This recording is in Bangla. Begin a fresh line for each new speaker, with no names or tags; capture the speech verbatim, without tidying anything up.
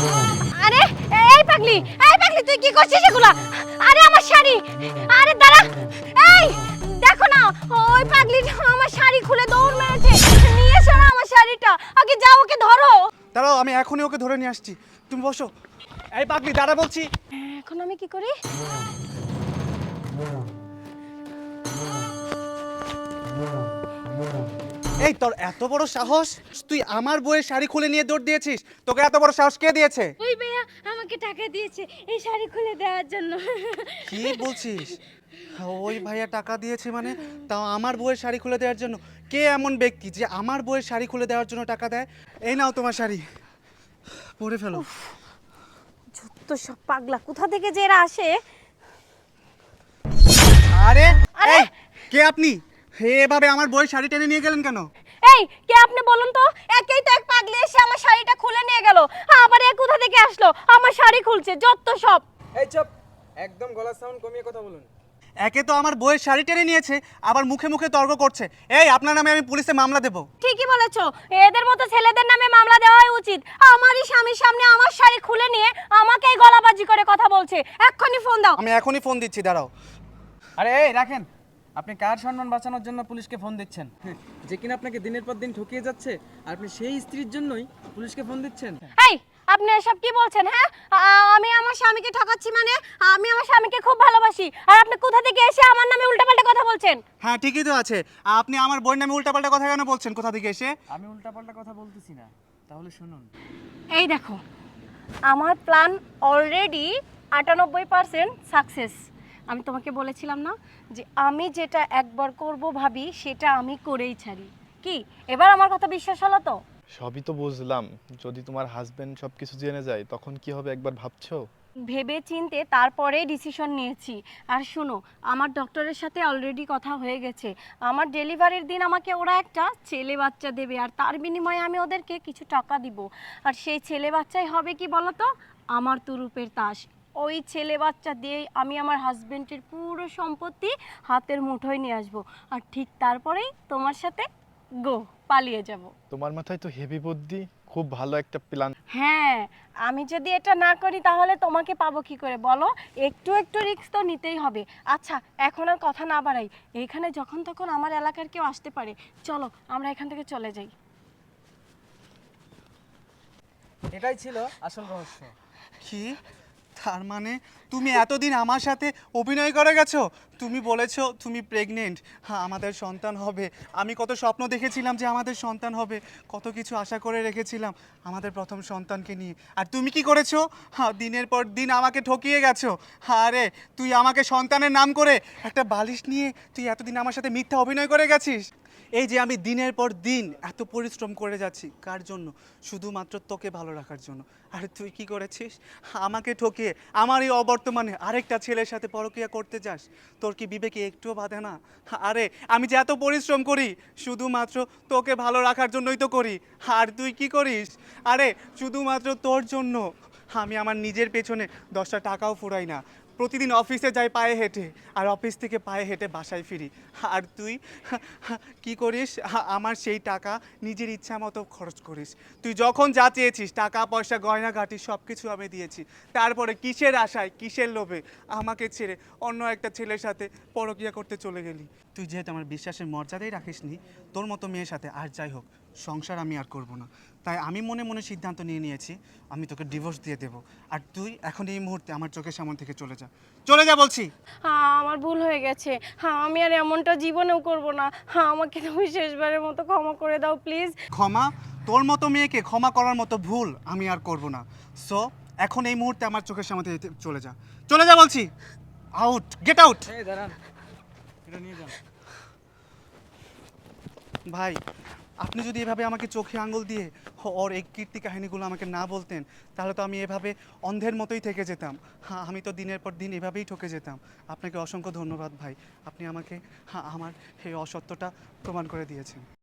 আরে এই পাগলি, এই পাগলি তুই কি করছিস এগুলা? আরে আমার শাড়ি, আরে দাঁড়া, এই দেখো না ওই পাগলিটা আমার শাড়ি খুলে দৌড় মেরেছে। নিয়ে এসো না আমার শাড়িটা, আগে যাও ওকে ধরো।
দাঁড়াও, আমি এখনই ওকে ধরে নিয়ে আসছি, তুমি বসো। এই পাগলি দাঁড়া বলছি।
এখন আমি কি করি?
এই তোর এত বড় সাহস, তুই আমার বইয়ের শাড়ি খুলে নিয়ে দৌড় দিয়েছিস? তোকে এত বড় সাহস কে দিয়েছে?
ওই ভাইয়া আমাকে টাকা দিয়েছে এই শাড়ি খুলে দেওয়ার জন্য।
কি বলছিস? ওই ভাইয়া টাকা দিয়েছে মানে? তাও আমার বইয়ের শাড়ি খুলে দেওয়ার জন্য? কে এমন ব্যক্তি যে আমার বইয়ের শাড়ি খুলে দেওয়ার জন্য টাকা দেয়? এই নাও তোমার শাড়ি, পরে ফেলো।
যত সব পাগলা, কোথা থেকে যে এরা আসে।
আরে
আরে!
এই, কে আপনি? এভাবে আমার বইয়ের শাড়ি টেনে নিয়ে গেলেন কেন?
এই কে আপনি বলুন তো? একেই তো এক পাগলি এসে আমার শাড়িটা খুলে নিয়ে গেল, আবার এ কোথা থেকে আসলো আমার শাড়ি খুলছে, যত সব।
এই চুপ, একদম গলার সাউন্ড কমিয়ে কথা বলুন।
একে তো আমার বইয়ের শাড়ি টেনে নিয়েছে, আবার মুখে মুখে তর্ক করছে। এই আপনার নামে আমি পুলিশে মামলা দেব।
ঠিকই বলেছো, এদের মতো ছেলেদের নামে মামলা দেওয়াই উচিত। আমারই স্বামীর সামনে আমার শাড়ি খুলে নিয়ে আমাকেই গলাবাজি করে কথা বলছে। এক্ষুনি ফোন দাও।
আমি এখনই ফোন দিচ্ছি, দাঁড়াও।
আরে এই রাখেন, আপনি কার সম্মান বাঁচানোর জন্য পুলিশকে ফোন দিচ্ছেন? হ্যাঁ, যে কিনা আপনাকে দিনের পর দিন ঠকিয়ে যাচ্ছে, আর আপনি সেই স্ত্রীর জন্যই পুলিশকে ফোন দিচ্ছেন?
এই আপনি এসব কি বলছেন? হ্যাঁ, আ- আমি আমার স্বামীকে ঠকাচ্ছি মানে? আমি আমার স্বামীকে খুব ভালোবাসি, আর আপনি কোথা থেকে এসে আমার নামে উল্টাপাল্টা কথা বলছেন?
হ্যাঁ ঠিকই তো আছে, আপনি আমার বইয়ের নামে উল্টাপাল্টা কথা কেন বলছেন? কোথা থেকে এসে?
আমি উল্টাপাল্টা কথা বলতেছি না, তাহলে শুনুন।
এই দেখো, আমার প্ল্যান অলরেডি আটানব্বই পার্সেন্ট সাকসেস। আমি তোমাকে বলেছিলাম না যে আমি যেটা একবার করব ভাবি সেটা আমি করেই ছাড়ি। কি এবার আমার কথা বিশ্বাস হলো তো?
সবই তো বুঝলাম, যদি তোমার হাজবেন্ড সবকিছু জেনে যায় তখন কি হবে একবার ভাবছো?
ভেবে চিনতে তারপরে ডিসিশন নিয়েছি। আর শোনো, আমার ডক্টরের সাথে অলরেডি কথা হয়ে গেছে। আমার ডেলিভারির দিন আমাকে ওরা একটা ছেলে বাচ্চা দেবে, আর তার বিনিময়ে আমি ওদেরকে কিছু টাকা দিব। আর সেই ছেলে বাচ্চাই হবে কি বলো তো, আমার তুরুপের তাস। ওই ছেলে বাচ্চা দিয়েই আমি আমার হাজবেন্ডের পুরো সম্পত্তি হাতের মুঠোয় নিয়ে আসবো। আর ঠিক তারপরেই তোমার সাথে গো পালিয়ে যাব।
তোমার মাথায় তো হেভি বুদ্ধি, খুব ভালো একটা প্ল্যান।
হ্যাঁ, আমি যদি এটা না করি তাহলে তোমাকে পাবো কি করে বলো? একটু একটু রিস্ক তো নিতেই হবে। আচ্ছা এখন আর কথা না বাড়াই, এখানে যখন তখন আমার এলাকার কেউ আসতে পারে। চলো আমরা এখান থেকে চলে যাই।
এটাই ছিল আসল রহস্য।
কি? তার মানে তুমি এতদিন আমার সাথে অভিনয় করে গেছো? তুমি বলেছো তুমি প্রেগনেন্ট, হ্যাঁ আমাদের সন্তান হবে। আমি কত স্বপ্ন দেখেছিলাম যে আমাদের সন্তান হবে, কত কিছু আশা করে রেখেছিলাম আমাদের প্রথম সন্তানকে নিয়ে। আর তুমি কি করেছো? হ্যাঁ দিনের পর দিন আমাকে ঠকিয়ে গেছো। আরে তুই আমাকে সন্তানের নাম করে একটা বালিশ নিয়ে তুই এতদিন আমার সাথে মিথ্যা অভিনয় করে গেছিস। এই যে আমি দিনের পর দিন এত পরিশ্রম করে যাচ্ছি, কার জন্য? শুধুমাত্র তোকে ভালো রাখার জন্য। আর তুই কি করেছিস? আমাকে ঠকিয়ে আমার এই অবর্তমানে আরেকটা ছেলের সাথে পরকীয়া করতে যাস। তোর কি বিবেকে একটুও বাধে না? আরে আমি যে এত পরিশ্রম করি শুধুমাত্র তোকে ভালো রাখার জন্যই তো করি। আর তুই কি করিস? আরে শুধুমাত্র তোর জন্য আমি আমার নিজের পেছনে দশটা টাকাও ফুরাই না। প্রতিদিন অফিসে যাই পায়ে হেঁটে, আর অফিস থেকে পায়ে হেঁটে বাসায় ফিরি। আর তুই কি করিস? আমার সেই টাকা নিজের ইচ্ছা মতো খরচ করিস। তুই যখন যা চেয়েছিস, টাকা পয়সা গয়নাগাটি সব কিছু আমি দিয়েছি। তারপরে কিসের আশায়, কিসের লোভে আমাকে ছেড়ে অন্য একটা ছেলের সাথে পরকীয়া করতে চলে গেলি? তুই যেহেতু আমার বিশ্বাসের মর্যাদাই রাখিসনি, তোর মতো মেয়ের সাথে আর যাই হোক সংসার আমি আর করব না। তাই আমি মনে মনে সিদ্ধান্ত নিয়ে নিয়েছি, আমি তোকে ডিভোর্স দিয়ে দেবো। আর তুই এখন এই মুহূর্তে আমার চোখের সামনে থেকে চলে যা, চলে যা বলছি।
হ্যাঁ আমার ভুল হয়ে গেছে, হ্যাঁ আমি আর এমনটা জীবনেও করব না। হ্যাঁ আমাকে তুমি শেষবারের মতো ক্ষমা করে দাও প্লিজ।
ক্ষমা? তোর মতো মেয়েকে ক্ষমা করার মতো ভুল আমি আর করব না। সো এখন এই মুহূর্তে আমার চোখের সামনে থেকে চলে যা, চলে যা বলছি। Out, get out.
এই দাঁড়ান, এটা নিয়ে যান।
ভাই আপনি যদি এভাবে আমাকে চোখে আঙুল দিয়ে ওর এই কীর্তি কাহিনীগুলো আমাকে না বলতেন, তাহলে তো আমি এভাবে অন্ধের মতোই থেকে যেতাম। হ্যাঁ আমি তো দিনের পর দিন এভাবেই ঠকে যেতাম। আপনাকে অসংখ্য ধন্যবাদ ভাই, আপনি আমাকে হ্যাঁ আমার এই অসত্যটা প্রমাণ করে দিয়েছেন।